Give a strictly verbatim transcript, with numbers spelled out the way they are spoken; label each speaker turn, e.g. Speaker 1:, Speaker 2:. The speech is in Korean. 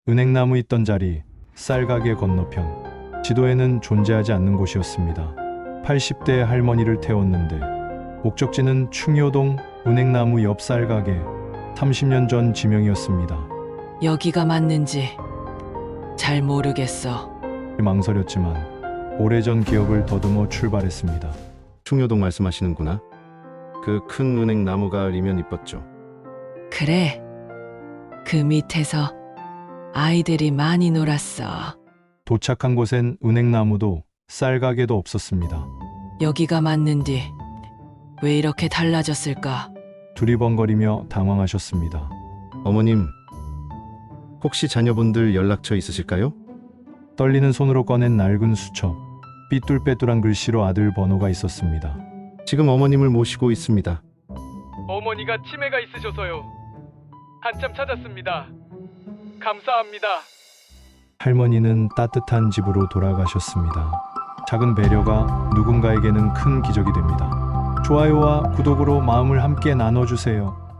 Speaker 1: 은행나무 있던 자리, 쌀가게 건너편. 지도에는 존재하지 않는 곳이었습니다. 팔십 대 할머니를 태웠는데 목적지는 충효동 은행나무 옆 쌀가게. 삼십 년 전 지명이었습니다.
Speaker 2: 여기가 맞는지 잘 모르겠어.
Speaker 1: 망설였지만 오래전 기억을 더듬어 출발했습니다.
Speaker 3: 충효동 말씀하시는구나. 그 큰 은행 나무가 리면 이뻤죠.
Speaker 2: 그래. 그 밑에서 아이들이 많이 놀았어.
Speaker 1: 도착한 곳엔 은행나무도 쌀가게도 없었습니다.
Speaker 2: 여기가 맞는지 왜 이렇게 달라졌을까?
Speaker 1: 두리번거리며 당황하셨습니다.
Speaker 3: 어머님, 혹시 자녀분들 연락처 있으실까요?
Speaker 1: 떨리는 손으로 꺼낸 낡은 수첩. 삐뚤빼뚤한 글씨로 아들 번호가 있었습니다.
Speaker 3: 지금 어머님을 모시고 있습니다.
Speaker 4: 어머니가 치매가 있으셔서요. 한참 찾았습니다. 감사합니다.
Speaker 1: 할머니는 따뜻한 집으로 돌아가셨습니다. 작은 배려가 누군가에게는 큰 기적이 됩니다. 좋아요와 구독으로 마음을 함께 나눠주세요.